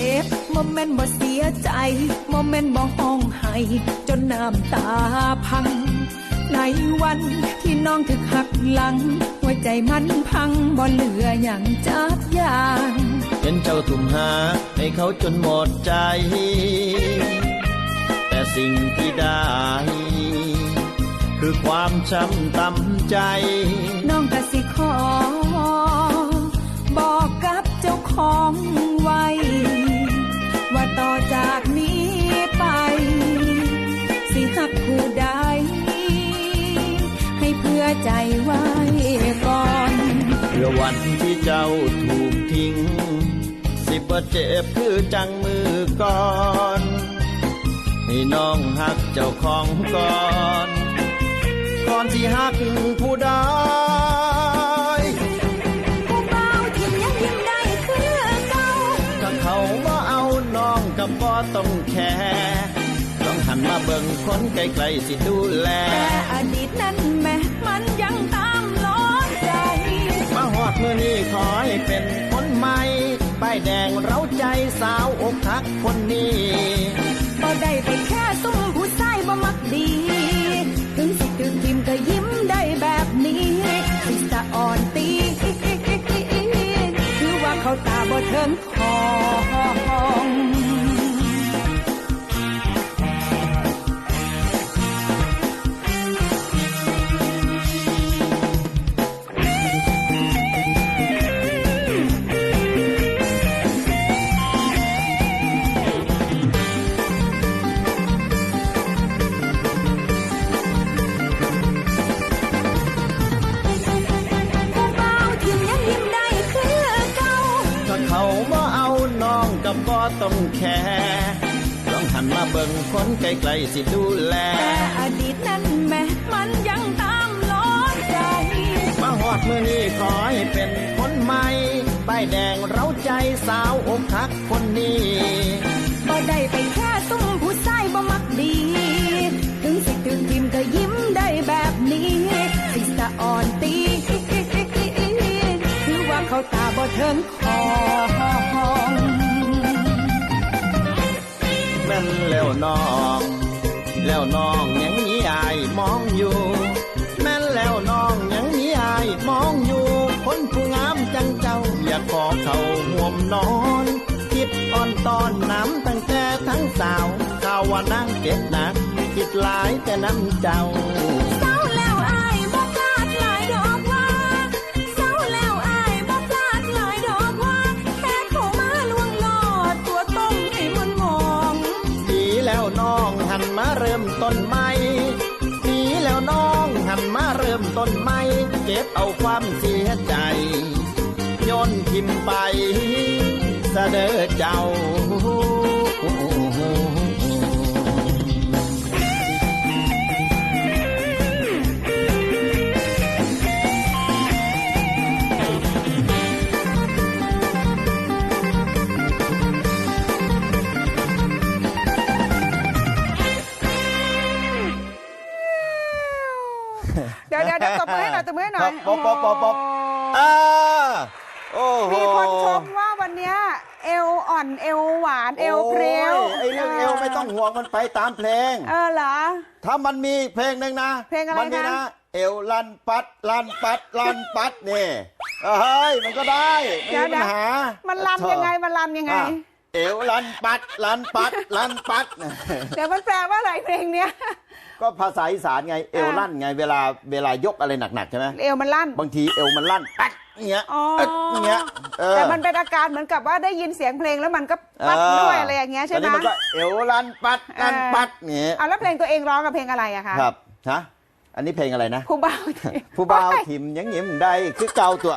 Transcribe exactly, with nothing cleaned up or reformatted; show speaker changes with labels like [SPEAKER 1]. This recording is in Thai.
[SPEAKER 1] บโมเมนต์บ่เสียใจโมเมนต์บ่ห้องไห้จนน้ำตาพังในวันที่น้องถึกหักหลังหัวใจมันพังบ่เหลืออย่างจักอย่าง
[SPEAKER 2] เห็นเจ้าทุ่มหาให้เขาจนหมดใจแต่สิ่งที่ได้คือความช้ำตำใจ
[SPEAKER 1] น้องกะสิขอบอกกับเจ้าของไว้ว่าต่อจากนี้ไปสิหักผู้ใดให้เพื่อใจไว้ก่อน
[SPEAKER 2] เพื่อวันที่เจ้าถูกทิ้งสิบ่เจ็บคือจังมือก่อนให้น้องหักเจ้าของก่อนก่อนที่หักผู้ใด
[SPEAKER 1] ผู้เบาทิมยังยิ้มได้คือเก่า
[SPEAKER 2] ถ้าเขาบ่เอาน้องก็บ่ต้องแคร์ต้องหันมาเบิ่งคนไกลๆสิดูแล
[SPEAKER 1] แต่อดีตนั้นแม้มันยังตามล้อใจ
[SPEAKER 2] มาฮอดมื้อนี้ขอให้เป็นคนใหม่ป้ายแดงเร้าใจสาวอกหักคนนี้
[SPEAKER 1] บ่ได้ไปแค่ซุ่มผู้ชายบ่มักดีถึงสิถึงทิมก็ยิ้มได้แบบนี้สิสะอ่อนตีคือว่าเขาตาบ่เทิงทอง
[SPEAKER 2] บ่ต้องแคร์ต้องหันมาเบิ่งคนไกลๆสิดูแล
[SPEAKER 1] แต่อดีตนั้นแม้มันยังตามล้อใจ
[SPEAKER 2] มาฮอดมื้อนี้ขอให้เป็นคนใหม่ป้ายแดงเร้าใจสาวอกหักคนนี้
[SPEAKER 1] บ่ได้ไปแค่ซุ่มผู้ชายบ่มักดีถึงสิถึงทิมก็ยิ้มได้แบบนี้สิสะอ่อนตีคือว่าเขาตาบ่เทิงคอง
[SPEAKER 2] แม่นแล้วน้องแล้วน้องยังมีอายมองอยู่แม่นแล้วน้องยังมีอายมองอยู่คนผู้งามจังเจ้าอยากขอเข้าห่วมนอนคิดอ่อนตอนน้ำตั้งแต่ทั้งสาวข่าวว่านั่งเก็บหนักคิดหลายแต่น้ำเจ้า
[SPEAKER 1] เศร้าแล้วอายบ่พลาดหลายดอกว่าเศร้าแล้วอายบ่พลาดหลายดอกว่าแค่เข้ามาลวงหลอดตัวต้มให้มันมอง
[SPEAKER 2] ดีแล้วน้องหันมาเริ่มต้นใหม่ดีแล้วน้องหันมาเริ่มต้นใหม่เก็บเอาความเสียใจโยนทิ่มไปเสดอเจ้า
[SPEAKER 1] เดี๋ยวเดี๋ยวเดี๋ยวตบมือให้หน่อยตบมือให้หน่อย
[SPEAKER 2] ป๊อปป๊อปป๊อปป๊อปอ่าโอ้โห
[SPEAKER 1] มีคนชมว่าวันนี้เอวอ่อนเอวหวานเอวเพรียว
[SPEAKER 2] ไอ้เรื่องเอวไม่ต้องห่วงมันไปตามเพลง
[SPEAKER 1] เออเหรอ
[SPEAKER 2] ถ้ามันมีเพลงหนึ่งนะ
[SPEAKER 1] เพลงอะไร
[SPEAKER 2] มันมีนะเอวลันปัดลันปัดลันปัดนี่เฮ้ยมันก็ได้ไม่มีปัญหา
[SPEAKER 1] มันลันยังไงมันลันยังไง
[SPEAKER 2] เอวลันปัดลันปัดลันปัด
[SPEAKER 1] เดี๋ยวมันแปลว่าอะไรเพลงเนี้ย
[SPEAKER 2] ก็ภาษาอีสานไงเอวลั่นไงเวลาเวลายกอะไรหนักๆใช่ไหม
[SPEAKER 1] เอวมันลั่น
[SPEAKER 2] บางทีเอวมันลั่นปัดเงี้ยเงี้ย
[SPEAKER 1] แต่มันเป็นอาการเหมือนกับว่าได้ยินเสียงเพลงแล้วมันก็ปัดด้วยอะไรอย่างเงี้ยใช่ไหม
[SPEAKER 2] มันก็เอวลั่นปัดลั่นปัดเงี้ย
[SPEAKER 1] เอาแล้วเพลงตัวเองร้องกับเพลงอะไรอะคะ
[SPEAKER 2] ครับฮะอันนี้เพลงอะไรนะ
[SPEAKER 1] ผู้บ่าว
[SPEAKER 2] ผู้บ่าวทิมยังยิ้มได้คือเก่าตัว